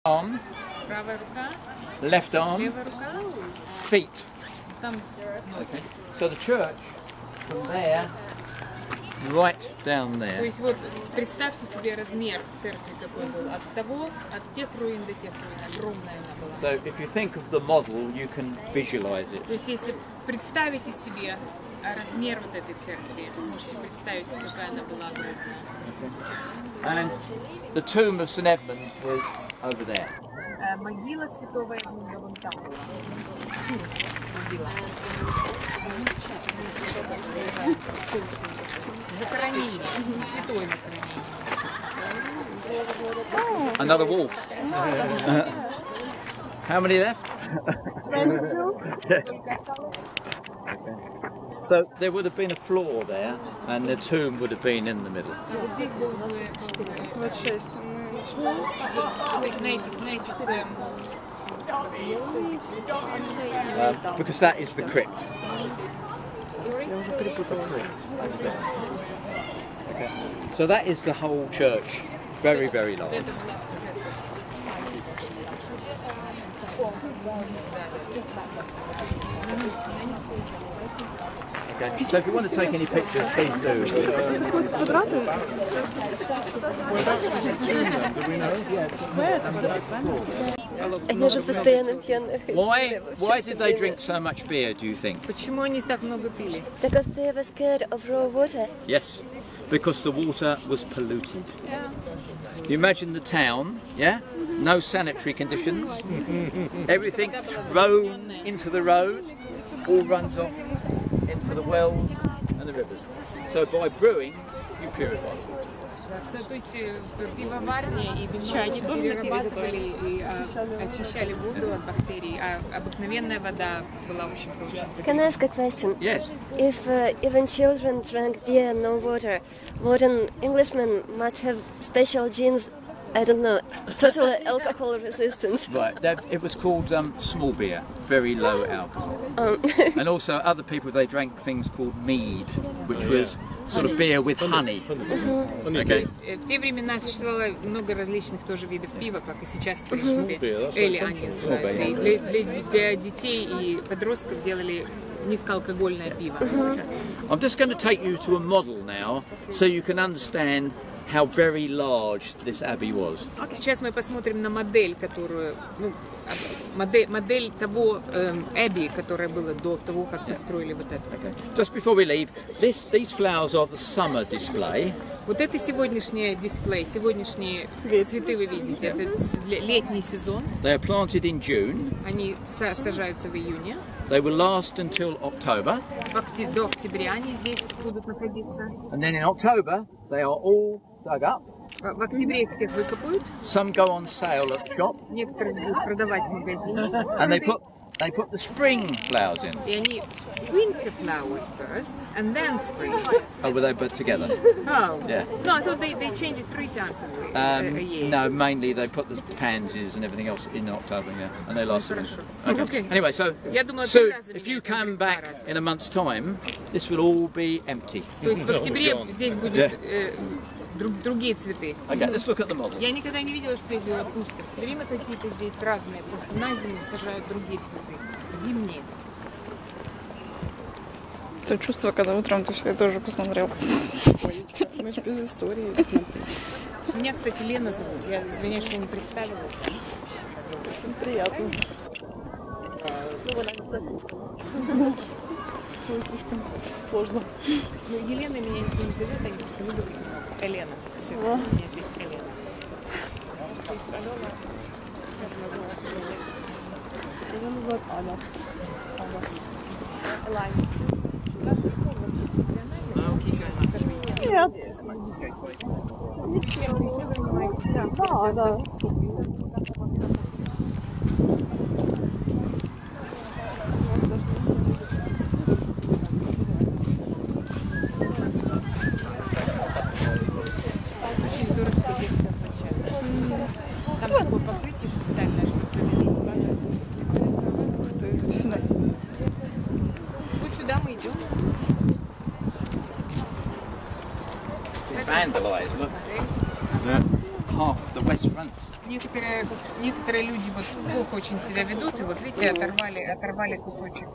Arm, left arm, feet. Okay. So the church from there right down there. То есть вот представьте себе размер церкви какой был от тех руин до тех руин, огромная она была. So if you think of the model, you can visualize it. То есть если представите себе размер вот этой церкви, можете представить, какая она была огромная. And the tomb of St Edmund was over there. Могила святого Эдмунда вон там была. Могила. Захоронение. Святое захоронение. Another wolf. How many left? 22. So there would have been a floor there, and the tomb would have been in the middle. Здесь был бы because that is the crypt. Okay. So that is the whole church, very, very large. Okay. So if you want to take any pictures, please do. Они же постоянно пьяные. Why did they drink so much beer, do you think? Почему они так много пили? Because they were scared of raw water. Yes, because the water was polluted. You imagine the town, yeah? No sanitary conditions. Everything thrown into the road, all runs off into the wells and the rivers. So by brewing, you purify it. То есть пивоварни и винчане перерабатывали и очищали воду от бактерий, а обыкновенная вода была очень хорошая. Can I ask a question? Yes. If even children drank beer and no water, modern Englishmen must have special genes, I don't know, total alcohol resistance. Right, it was called small beer, very low alcohol. And also other people, they drank things called mead, which was sort of beer with honey. Okay. В те времена существовало много различных тоже видов пива, как и сейчас, в принципе, эли они называются. И для детей и подростков делали низкоалкогольное пиво. I'm just going to take you to a model now, so you can understand how very large this abbey was. Сейчас мы посмотрим на модель, которую, модель того Эбби, которая была до того, как построили вот это. Just before we leave, these flowers are the summer display. Вот это сегодняшний дисплей, сегодняшние цветы вы видите, это летний сезон. They are planted in June. Они сажаются в июне. They will last until October. До октября они здесь будут находиться. And then in October, they are all dug up. В октябре их всех выкопают. Some go on sale at the shop. Некоторые будут продавать в магазине. And they put the spring flowers in. И они winter flowers first, and then spring. Oh, were they put together? Oh. Yeah. No, I thought they change it 3 times a year. No, mainly they put the pansies and everything else in October, yeah, and they last. Okay. Anyway, so soon, if you come back in a month's time, this will all be empty. То есть в октябре здесь будут другие цветы. Okay, let's look at the model. Я никогда не видела, что здесь было пусто. Все время какие-то здесь разные. Просто на зиму сажают другие цветы. Зимние. То чувство, когда утром ты все тоже посмотрел. Мы же без истории. Меня, кстати, Лена зовут. Я извиняюсь, что я не представила. Очень приятно. Слишком сложно. Ну, Елена меня никто не зовет, они просто любят Елена. Все зовут меня здесь Елена. Меня называют Аня. Нет. Да, да. Очень здоровская детская площадка. Там такое покрытие специальное, чтобы заменить. Сюда. Вот сюда мы идем. Vandalised, look. Half the west front. некоторые люди вот плохо очень себя ведут, и вот видите, оторвали кусочек.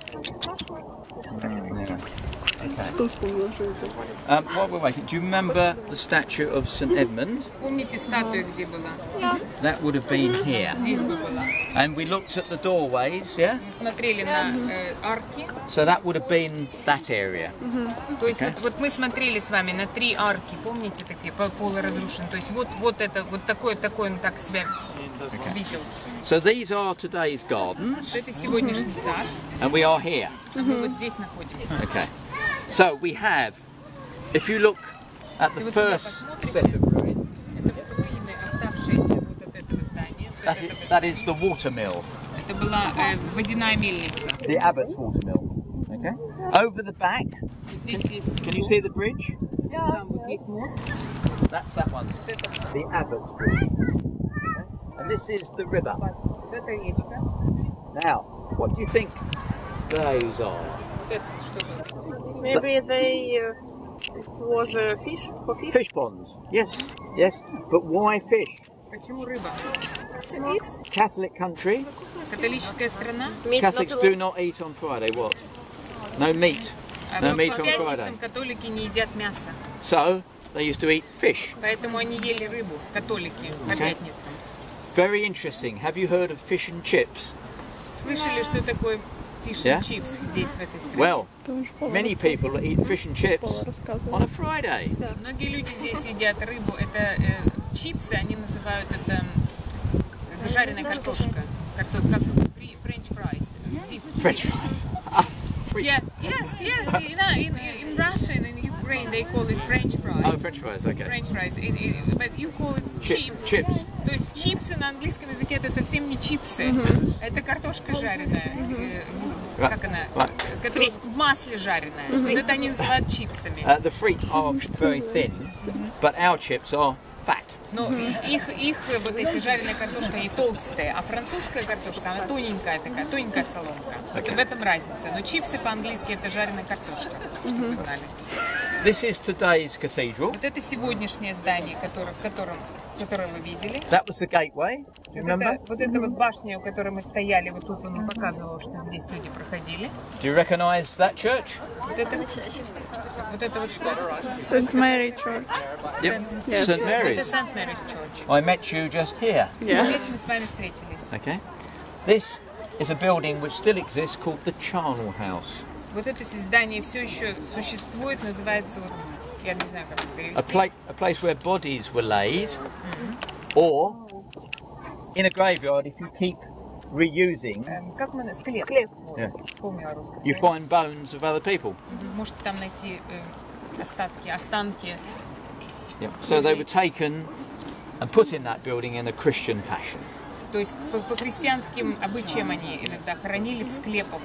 Кто вспомнил, что это? While we're waiting, do you remember the statue of St Edmund? Помните статую, где была? That would have been here. Здесь бы была. And we looked at the doorways, yeah? Мы смотрели на арки. So that would have been that area. То есть вот мы смотрели с вами на 3 арки, помните, такие полуразрушенные. То есть вот это, вот такой он так себя видел. So these are today's gardens, Это сегодняшний сад, and we are here. а мы вот здесь находимся. Okay. So we have, if you look at the first set of ruins, Это руины, оставшиеся вот от этого здания. Вот от этого that is the water mill, Это была водяная мельница. the Abbott's water mill. Okay. Over the back, Здесь есть can you see the bridge? там вот есть мост. That's that one, Вот это the Abbott's bridge. Okay. And this is the river. вот эта речка. Now, what do you think those are? Вот это что было? Maybe it was a fish for fish. Fish ponds. Yes, yes. But why fish? Почему рыба? Catholic country. Католическая страна. Catholics do not eat on Friday. What? No meat. No Но meat по on Friday. пятницам католики не едят мясо. So they used to eat fish. Поэтому они ели рыбу, католики, по Okay. пятницам. Very interesting. Have you heard of fish and chips? Слышали, что такое fish Yeah? and chips здесь, в этой стране? Well, many people eat fish and chips рассказывал. on a Friday. Многие люди здесь едят рыбу. Это чипсы, они называют это жареная картошка. Как French fries. French fries. Yeah, yes. In Russia and in Ukraine they call it French fries. Oh, French fries. Okay. French fries. But you call it chips. Chips. То есть чипсы на английском языке это совсем не чипсы. Это картошка жареная. Как она? Которая в масле жареная. Вот это они называют чипсами. The feet are very thin, but our chips are fat. Но их вот эти жареная картошка, они толстые, а французская картошка, она тоненькая такая, тоненькая соломка. Вот в этом разница. Но чипсы по-английски это жареная картошка, чтобы вы знали. This is today's cathedral. Вот это сегодняшнее здание, которое вы видели. That was the gateway. Do you remember? Вот эта вот башня, у которой мы стояли, вот тут он показывал, что здесь люди проходили. Do you recognize that church? Вот это вот что это? St. Mary Church. Yep. Yes. St Это Mary's. St. Mary's Church. I met you just here. Yeah. Здесь мы с вами встретились. Okay. This is a building which still exists called the Charnel House. Вот это здание все еще существует, называется, вот, я не знаю, как это перевести. A place where bodies were laid, or in a graveyard if you keep reusing, Как мы... Склеп. Вот, Yeah. вспомнила русское you слово. find bones of other people. Можете там найти останки. Yeah. So they were taken and put in that building in a Christian fashion. То есть по христианским обычаям они иногда хоронили в склепах.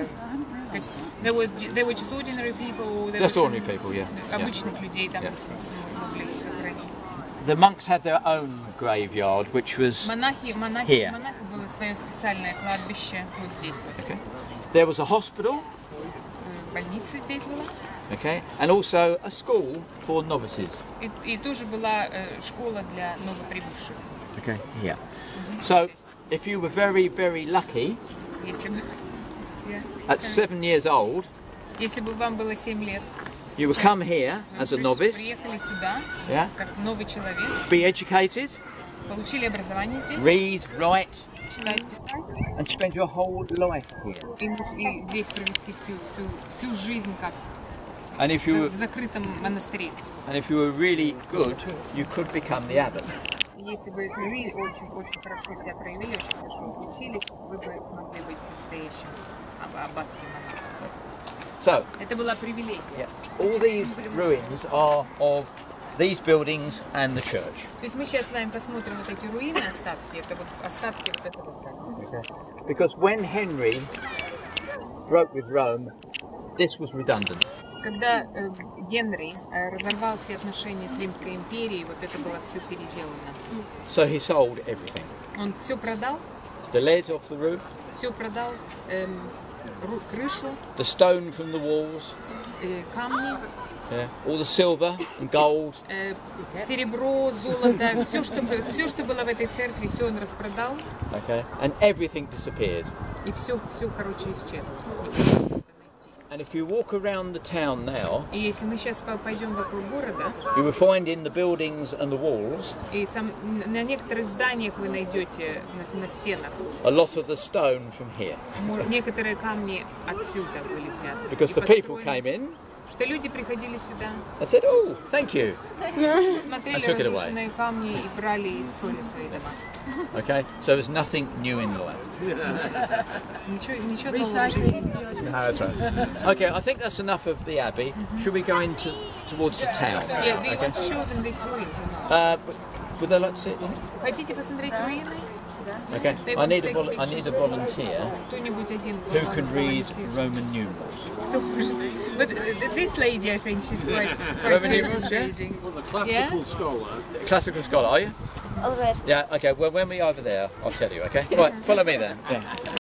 They were just ordinary people. Just ordinary people, yeah. Обычных людей там Yeah. могли захоронить. The monks had their own graveyard, which was Монахи Here. было свое специальное кладбище вот здесь вот. okay. There was a hospital, Больница здесь была. okay, and also a school for novices. И тоже была школа для новоприбывших. Okay, here. So, if you were very, very lucky, Если бы, at 7 years old, если бы вам было 7 лет, you would come here вы as a novice, приехали сюда, yeah, как новый человек, be educated, получили образование здесь, read, write, читать, писать, and spend your whole life here. и здесь провести всю жизнь как And if you в закрытом монастыре. were really good, you could become the abbot. Если бы вы очень хорошо себя проявили, очень хорошо учились, вы бы смогли быть настоящим аббатским монахом. So, Это была привилегия. yeah, all these ruins are of these buildings and the church. То есть мы сейчас с вами посмотрим вот эти руины, остатки, это вот остатки вот этого здания. Because when Henry broke with Rome, this was redundant. Когда Генри разорвал все отношения с Римской империей, вот это было все переделано. So he sold everything. Он все продал, The lead off the roof, крышу, the stone from the walls, камни, Yeah. All the silver and gold. Серебро, золото, все, что было в этой церкви, все он распродал. Okay. And everything disappeared. И все, короче, исчезло. And if you walk around the town now, И если мы сейчас пойдем вокруг города, you will find in the buildings and the walls и на некоторых зданиях вы найдете на стенах a lot of the stone from here. некоторые камни отсюда были взяты. Because И the people построены. came in Что люди приходили сюда, and said, oh, thank you. смотрели I took it away. разрушенные камни и брали и строили свои дома. Okay, so there's nothing new in the land. Ничего нового в жизни. No, that's right. Okay, I think that's enough of the abbey. Should we go towards the town? Yeah, do you want to show them these ruins or not? Would they like to sit? Хотите посмотреть руины? Okay, I need a volunteer Кто-нибудь один. who can read Roman numerals. But this lady, I think she's quite Roman good numerals, at yeah? reading. Classical scholar. Classical scholar, are you? All right. Yeah, okay, well, when we're over there, I'll tell you, okay? Right, follow me then. Yeah.